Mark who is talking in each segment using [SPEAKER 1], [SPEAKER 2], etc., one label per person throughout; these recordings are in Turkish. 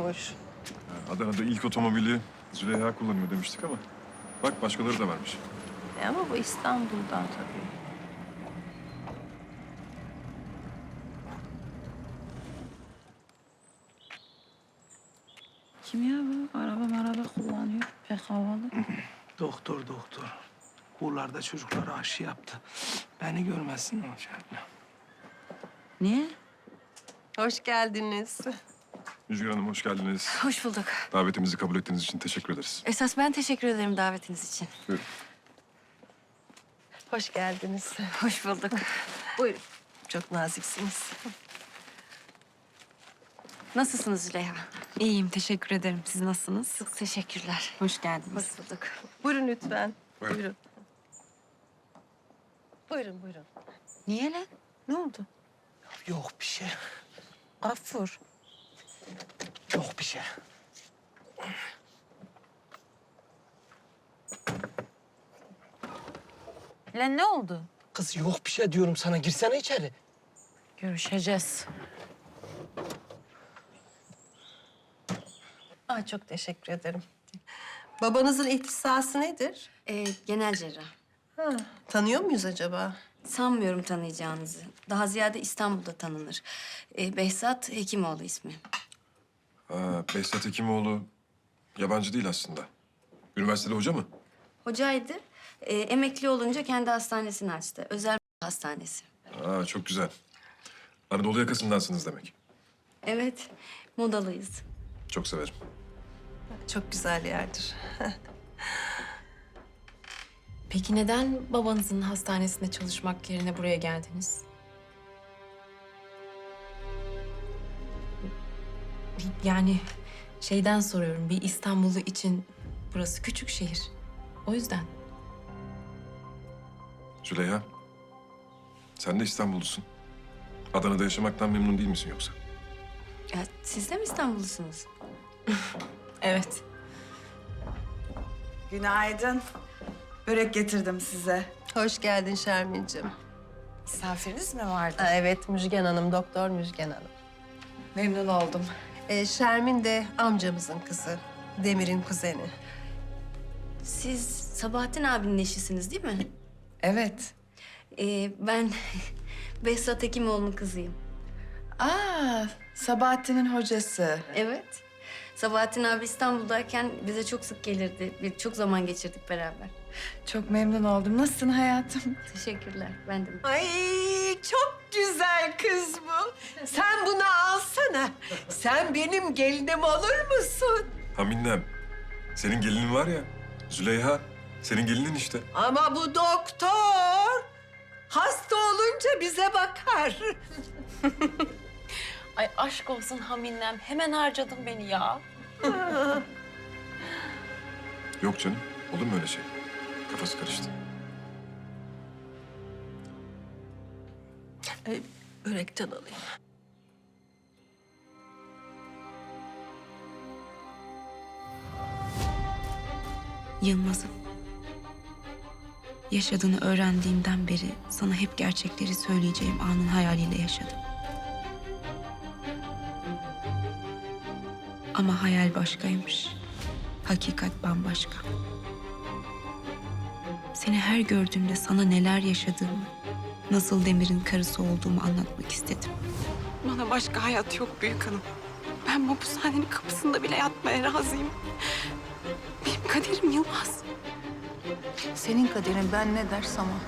[SPEAKER 1] yokmuş.
[SPEAKER 2] Adana'da ilk otomobili Züleyha kullanıyor demiştik ama bak başkaları da varmış.
[SPEAKER 1] Ama bu İstanbul'dan tabii.
[SPEAKER 3] Kim ya bu? Araba kullanıyor. Pek havalı.
[SPEAKER 4] Doktor. Kurlarda çocuklara aşı yaptı. Beni görmezsin olacak.
[SPEAKER 3] Niye?
[SPEAKER 1] Hoş geldiniz.
[SPEAKER 2] Müjgan Hanım hoş geldiniz.
[SPEAKER 5] Hoş bulduk.
[SPEAKER 2] Davetimizi kabul ettiğiniz için teşekkür ederiz.
[SPEAKER 5] Esas ben teşekkür ederim davetiniz için.
[SPEAKER 2] Buyurun.
[SPEAKER 1] Hoş geldiniz.
[SPEAKER 5] Hoş bulduk.
[SPEAKER 1] Buyurun. Çok naziksiniz.
[SPEAKER 5] Nasılsınız Züleyha?
[SPEAKER 3] İyiyim, teşekkür ederim. Siz nasılsınız?
[SPEAKER 5] Çok teşekkürler.
[SPEAKER 3] Hoş geldiniz.
[SPEAKER 5] Hoş bulduk.
[SPEAKER 1] Buyurun lütfen.
[SPEAKER 2] Buyurun.
[SPEAKER 1] Buyurun. Buyurun.
[SPEAKER 5] Niye lan?
[SPEAKER 1] Ne oldu?
[SPEAKER 4] Yok bir şey.
[SPEAKER 1] Gafur.
[SPEAKER 4] Yok bir şey.
[SPEAKER 3] Lan ne oldu?
[SPEAKER 4] Kız yok bir şey diyorum sana. Girsene içeri.
[SPEAKER 3] Görüşeceğiz.
[SPEAKER 1] Çok teşekkür ederim. Babanızın ihtisası nedir?
[SPEAKER 5] Genel cerrah.
[SPEAKER 1] Tanıyor muyuz acaba?
[SPEAKER 5] Sanmıyorum tanıyacağınızı. Daha ziyade İstanbul'da tanınır. Behzat Hekimoğlu ismi.
[SPEAKER 2] Behzat Hekimoğlu yabancı değil aslında. Üniversitede hoca mı?
[SPEAKER 5] Hocaydı. Emekli olunca kendi hastanesini açtı. Özel hastanesi.
[SPEAKER 2] Çok güzel. Anadolu yakasındansınız demek.
[SPEAKER 5] Evet, modalıyız.
[SPEAKER 2] Çok severim.
[SPEAKER 1] Çok güzel yerdir.
[SPEAKER 6] Peki neden babanızın hastanesinde çalışmak yerine buraya geldiniz? Yani şeyden soruyorum, bir İstanbullu için burası küçük şehir. O yüzden.
[SPEAKER 2] Züleyha, sen de İstanbullusun. Adana'da yaşamaktan memnun değil misin yoksa?
[SPEAKER 5] Ya, siz de mi İstanbullusunuz?
[SPEAKER 6] Evet.
[SPEAKER 7] Günaydın. Börek getirdim size.
[SPEAKER 1] Hoş geldin Şermin'cim.
[SPEAKER 7] Misafiriniz mi vardı?
[SPEAKER 1] Evet, Müjgan Hanım, Doktor Müjgan Hanım.
[SPEAKER 7] Memnun oldum.
[SPEAKER 1] Şermin de amcamızın kızı. Demir'in kuzeni.
[SPEAKER 5] Siz Sabahattin abinin eşisiniz değil mi?
[SPEAKER 7] Evet.
[SPEAKER 5] Ben Behzat Hekimoğlu'nun kızıyım.
[SPEAKER 7] Sabahattin'in hocası.
[SPEAKER 5] Evet. Sabahattin abi İstanbul'dayken bize çok sık gelirdi. Çok zaman geçirdik beraber.
[SPEAKER 7] Çok memnun oldum. Nasılsın hayatım?
[SPEAKER 5] Teşekkürler. Ben de.
[SPEAKER 8] Ay çok güzel kız bu. Sen bunu alsana. Sen benim gelinim olur musun?
[SPEAKER 2] Haminnem, senin gelinin var ya, Züleyha, senin gelinin işte.
[SPEAKER 8] Ama bu doktor hasta olunca bize bakar.
[SPEAKER 6] Ay aşk olsun Haminem, hemen harcadın beni ya.
[SPEAKER 2] Yok canım, olur mu öyle şey? Kafası karıştı.
[SPEAKER 1] Börekten alayım.
[SPEAKER 3] Yılmaz'ım. Yaşadığını öğrendiğimden beri sana hep gerçekleri söyleyeceğim anın hayaliyle yaşadım. Ama hayal başkaymış. Hakikat bambaşka. Seni her gördüğümde sana neler yaşadığımı, nasıl Demir'in karısı olduğumu anlatmak istedim.
[SPEAKER 9] Bana başka hayat yok büyük hanım. Ben bu hapishanenin kapısında bile yatmaya razıyım. Benim kaderim Yılmaz.
[SPEAKER 3] Senin kaderin ben ne dersem o.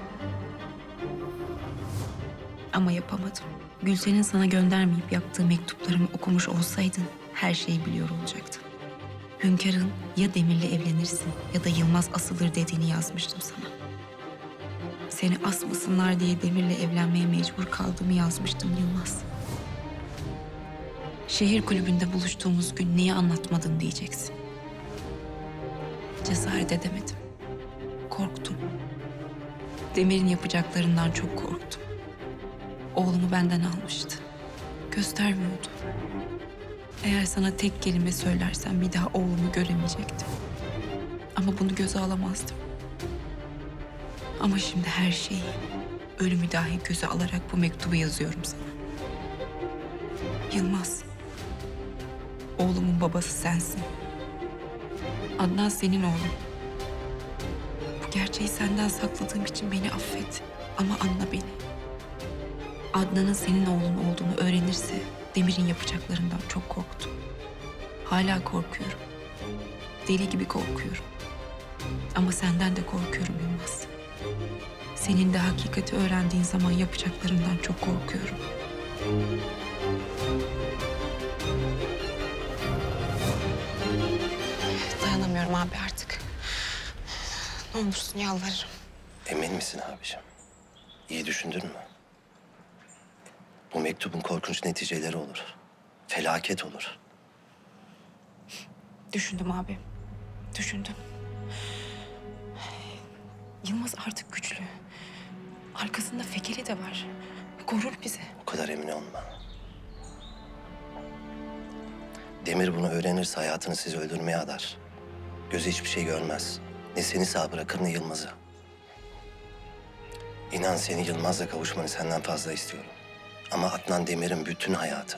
[SPEAKER 3] Ama yapamadım. Gülsen'in sana göndermeyip yaptığı mektuplarımı okumuş olsaydın her şeyi biliyor olacaktın. Hünkâr'ın ya Demir'le evlenirsin ya da Yılmaz asılır dediğini yazmıştım sana. Seni asmasınlar diye Demir'le evlenmeye mecbur kaldığımı yazmıştım Yılmaz. Şehir kulübünde buluştuğumuz gün niye anlatmadın diyeceksin. Cesaret edemedim. Korktum. Demir'in yapacaklarından çok korktum. Oğlumu benden almıştı. Göstermiyordu. Eğer sana tek kelime söylersem bir daha oğlumu göremeyecektim. Ama bunu göze alamazdım. Ama şimdi her şeyi, ölümü dahi göze alarak bu mektubu yazıyorum sana. Yılmaz, Oğlumun babası sensin. Adnan senin oğlun. Bu gerçeği senden sakladığım için beni affet. Ama anla beni. Adnan'ın senin oğlun olduğunu öğrenirse Demir'in yapacaklarından çok korktum. Hala korkuyorum. Deli gibi korkuyorum. Ama senden de korkuyorum Yılmaz. Senin de hakikati öğrendiğin zaman yapacaklarından çok korkuyorum.
[SPEAKER 9] Dayanamıyorum abi artık. Ne olursun yalvarırım.
[SPEAKER 10] Emin misin abiciğim? İyi düşündün mü? Bu mektubun korkunç neticeleri olur. Felaket olur.
[SPEAKER 3] Düşündüm abi. Düşündüm. Yılmaz artık güçlü. Arkasında Fekeli de var. Korur bizi.
[SPEAKER 10] O kadar emin olma. Demir bunu öğrenirse hayatını sizi öldürmeye adar. Gözü hiçbir şey görmez. Ne seni sağ bırakır ne Yılmaz'ı. İnan seni Yılmaz'la kavuşmanı senden fazla istiyorum. Ama Adnan Demir'in bütün hayatı.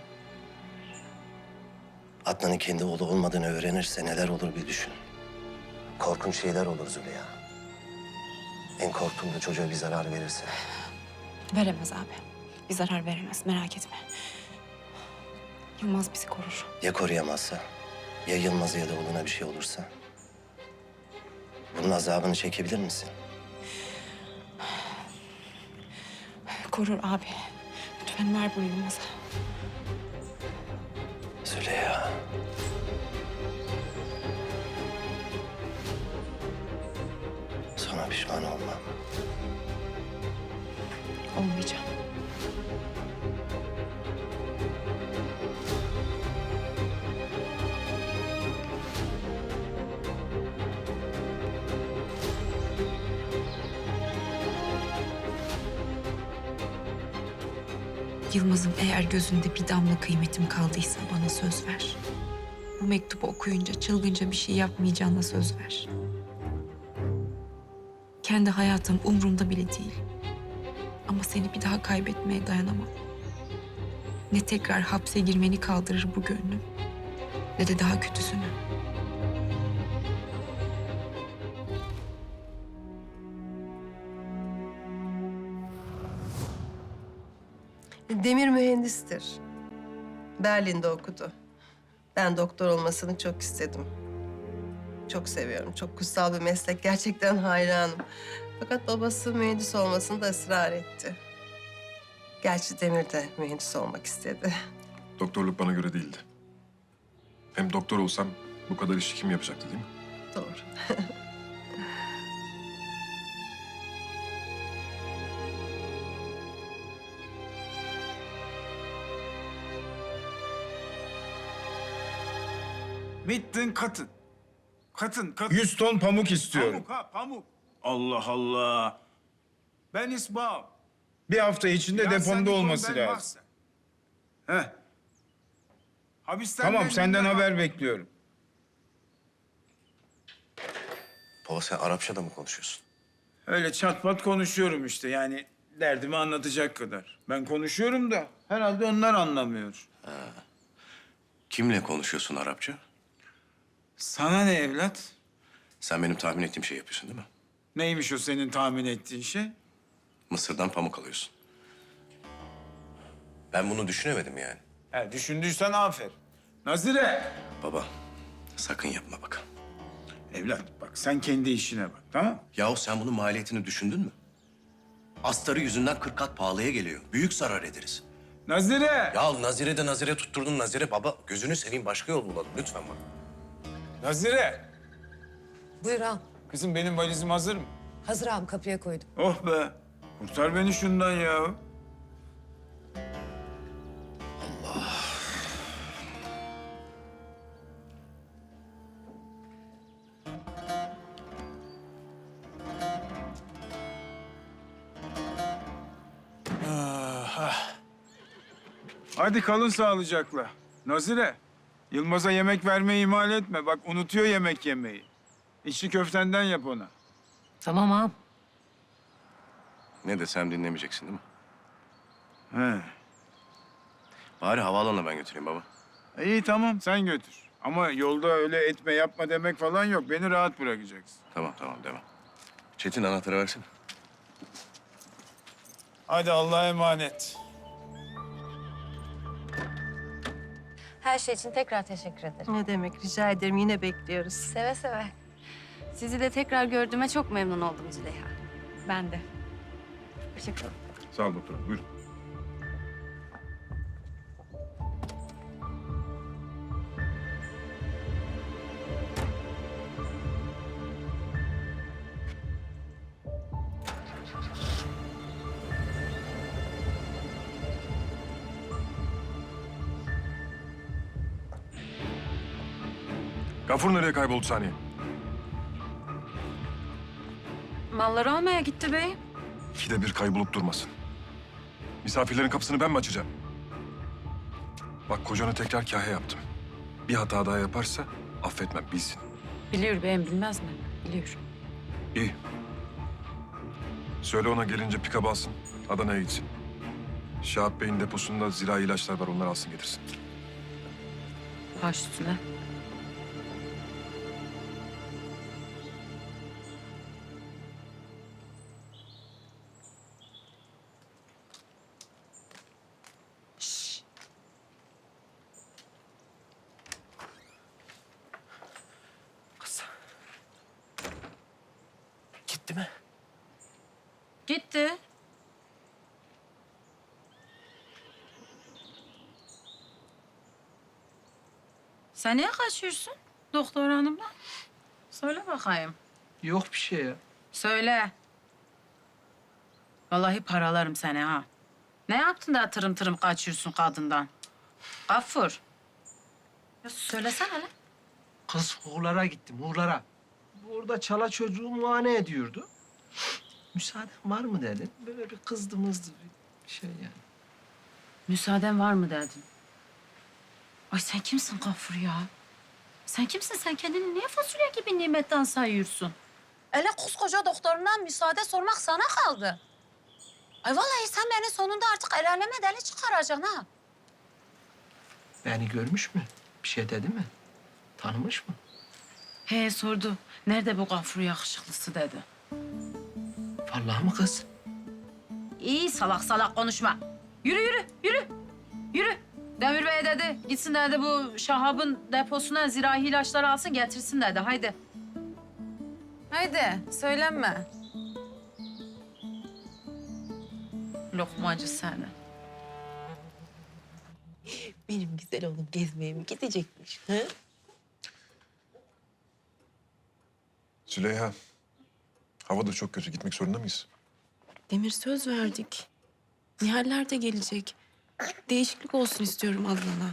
[SPEAKER 10] Adnan'ın kendi oğlu olmadığını öğrenirse neler olur bir düşün. Korkunç şeyler olur Züleyha. En korktuğum da çocuğa bir zarar verirse.
[SPEAKER 3] Veremez abi. Bir zarar veremez, merak etme. Yılmaz bizi korur.
[SPEAKER 10] Ya koruyamazsa? Ya Yılmaz'a ya da oğluna bir şey olursa? Bunun azabını çekebilir misin?
[SPEAKER 3] Korur abi. Lütfen ver bunu Yılmaz'a.
[SPEAKER 10] Züleyha. Sonra pişman olmam.
[SPEAKER 3] Olmayacağım. Yılmaz'ın eğer gözünde bir damla kıymetim kaldıysa bana söz ver. Bu mektubu okuyunca çılgınca bir şey yapmayacağına söz ver. Kendi hayatım umurumda bile değil. Ama seni bir daha kaybetmeye dayanamam. Ne tekrar hapse girmeni kaldırır bu gönlüm, ne de daha kötüsünü.
[SPEAKER 1] Demir mühendistir. Berlin'de okudu. Ben doktor olmasını çok istedim. Çok seviyorum. Çok kutsal bir meslek. Gerçekten hayranım. Fakat babası mühendis olmasını da ısrar etti. Gerçi Demir de mühendis olmak istedi.
[SPEAKER 2] Doktorluk bana göre değildi. Hem doktor olsam bu kadar işi kim yapacaktı değil mi?
[SPEAKER 1] Doğru.
[SPEAKER 11] Bittin katın. Katın.
[SPEAKER 12] 100 ton pamuk istiyorum.
[SPEAKER 11] Pamuk ha pamuk. Allah Allah. Ben isbağım.
[SPEAKER 12] Bir hafta içinde
[SPEAKER 11] Ya sen
[SPEAKER 12] depomda
[SPEAKER 11] bir
[SPEAKER 12] olması
[SPEAKER 11] ton, ben
[SPEAKER 12] lazım.
[SPEAKER 11] mahsen. Heh. Hapisten
[SPEAKER 12] Tamam,
[SPEAKER 11] ben
[SPEAKER 12] senden
[SPEAKER 11] dinlemem.
[SPEAKER 12] haber bekliyorum.
[SPEAKER 10] Baba sen Arapça da mı konuşuyorsun?
[SPEAKER 11] Öyle çat pat konuşuyorum işte yani derdimi anlatacak kadar. Ben konuşuyorum da herhalde onlar anlamıyor.
[SPEAKER 10] Kimle konuşuyorsun Arapça?
[SPEAKER 11] Sana ne evlat?
[SPEAKER 10] Sen benim tahmin ettiğim şey yapıyorsun değil mi?
[SPEAKER 11] Neymiş o senin tahmin ettiğin şey?
[SPEAKER 10] Mısır'dan pamuk alıyorsun. Ben bunu düşünemedim yani.
[SPEAKER 11] He, düşündüysen aferin. Nazire!
[SPEAKER 10] Baba sakın yapma bak.
[SPEAKER 11] Evlat bak sen kendi işine bak tamam mı?
[SPEAKER 10] Yahu sen bunun maliyetini düşündün mü? Astarı yüzünden 40 kat pahalıya geliyor. Büyük zarar ederiz.
[SPEAKER 11] Nazire!
[SPEAKER 10] Ya Nazire de Nazire tutturdun Nazire. Baba gözünü seveyim başka yol bulalım lütfen bak.
[SPEAKER 11] Nazire!
[SPEAKER 8] Buyur ağam.
[SPEAKER 11] Kızım benim valizim hazır mı?
[SPEAKER 8] Hazır ağam, kapıya koydum.
[SPEAKER 11] Oh be! Kurtar beni şundan ya. Hadi kalın sağlıcakla. Nazire, Yılmaz'a yemek vermeyi ihmal etme. Bak unutuyor yemek yemeyi. İçli köftenden yap ona.
[SPEAKER 1] Tamam ağam.
[SPEAKER 10] Ne desem dinlemeyeceksin değil mi?
[SPEAKER 11] He.
[SPEAKER 10] Bari havaalanına ben götüreyim baba.
[SPEAKER 11] İyi tamam sen götür. Ama yolda öyle etme yapma demek falan yok. Beni rahat bırakacaksın.
[SPEAKER 10] Tamam devam. Çetin anahtarı versene.
[SPEAKER 11] Hadi Allah'a emanet.
[SPEAKER 5] Her şey için tekrar teşekkür ederim.
[SPEAKER 1] Ne demek, rica ederim. Yine bekliyoruz.
[SPEAKER 5] Seve seve. Sizi de tekrar gördüğüme çok memnun oldum Züleyha.
[SPEAKER 3] Ben de.
[SPEAKER 5] Hoşçakalın.
[SPEAKER 2] Sağ ol doktor hanım. Buyurun. Gafur nereye kayboldu saniye?
[SPEAKER 9] Malları almaya gitti bey.
[SPEAKER 2] İkide bir kaybolup durmasın. Misafirlerin kapısını ben mi açacağım? Bak kocana tekrar kahya yaptım. Bir hata daha yaparsa affetmem bilsin.
[SPEAKER 9] Biliyor beyim, bilmez mi? Biliyor.
[SPEAKER 2] İyi. Söyle ona gelince pikap alsın. Adana'ya gitsin. Şahap Bey'in deposunda zirai ilaçlar var. Onları alsın getirsin.
[SPEAKER 9] Baş üstüne.
[SPEAKER 4] Kız. Gitti mi?
[SPEAKER 9] Gitti. Sen niye kaçıyorsun doktor hanımla? Söyle bakayım.
[SPEAKER 4] Yok bir şey ya.
[SPEAKER 9] Söyle. Vallahi paralarım seni ha. Ne yaptın da tırım tırım kaçıyorsun kadından? Gafur. Ya söylesene lan.
[SPEAKER 4] Kız Uğurlar'a gittim, Uğurlar'a. Orada çala çocuğu muayene ediyordu. Müsaaden var mı dedim. Böyle bir kızdı mızdı bir şey yani.
[SPEAKER 9] Müsaaden var mı dedin? Ay sen kimsin Gafur ya? Sen kimsin? Sen kendini niye fasulye gibi nimetten sayıyorsun? Hele koskoca doktorundan müsaade sormak sana kaldı. Ay vallahi sen beni sonunda artık el aleme deli çıkaracaksın ha.
[SPEAKER 4] Beni görmüş mü? Bir şey dedi mi? Tanımış mı?
[SPEAKER 9] He sordu. Nerede bu Gafur yakışıklısı dedi.
[SPEAKER 4] Vallahi mı kız?
[SPEAKER 9] İyi salak salak konuşma. Yürü. Demir Bey dedi. Gitsin dedi bu Şahab'ın deposuna zirai ilaçları alsın getirsin dedi. Haydi. Haydi söylenme. Lokmacı seni.
[SPEAKER 8] Benim güzel oğlum gezmeye mi gidecekmiş? Ha?
[SPEAKER 2] Züleyha, hava da çok kötü. Gitmek zorunda mıyız?
[SPEAKER 6] Demir söz verdik. Nihaller de gelecek. Değişiklik olsun istiyorum Adnan'a.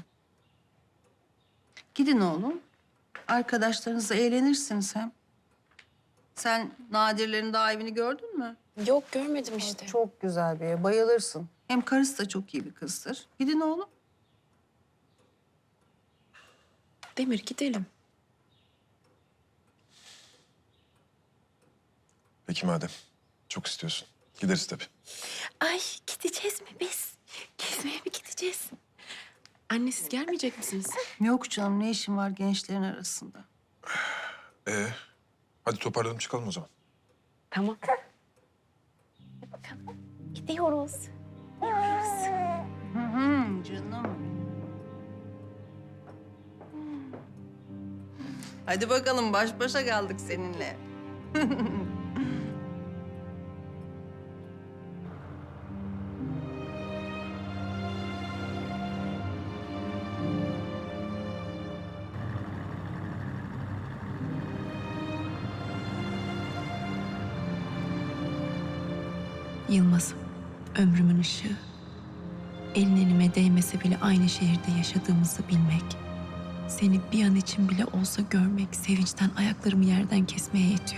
[SPEAKER 1] Gidin oğlum. Arkadaşlarınızla eğlenirsiniz hem. Sen Nadirlerin daha evini gördün mü?
[SPEAKER 6] Yok görmedim işte.
[SPEAKER 1] Çok güzel bir ev. Bayılırsın. Hem karısı da çok iyi bir kızdır. Gidin oğlum.
[SPEAKER 6] Demir gidelim.
[SPEAKER 2] Peki madem. Çok istiyorsun. Gideriz tabii.
[SPEAKER 6] Ay gideceğiz mi biz? Gezmeye mi gideceğiz? Anne siz gelmeyecek misiniz?
[SPEAKER 1] Yok canım, ne işin var gençlerin arasında?
[SPEAKER 2] Hadi toparlanıp çıkalım o zaman.
[SPEAKER 6] Tamam.
[SPEAKER 3] Gidiyoruz.
[SPEAKER 1] Canım. Hadi bakalım, baş başa kaldık seninle.
[SPEAKER 3] Yılmaz'ım, ömrümün ışığı. Elin elime değmese bile aynı şehirde yaşadığımızı bilmek. Seni bir an için bile olsa görmek sevinçten ayaklarımı yerden kesmeye yetiyor.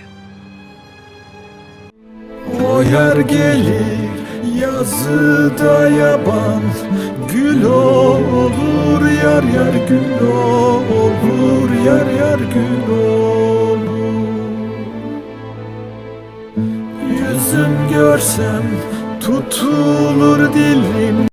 [SPEAKER 12] O yer gelir yazıda yaban, gül olur yar yar gül olur yar yar gül olur. Yüzüm görsem tutulur dilim.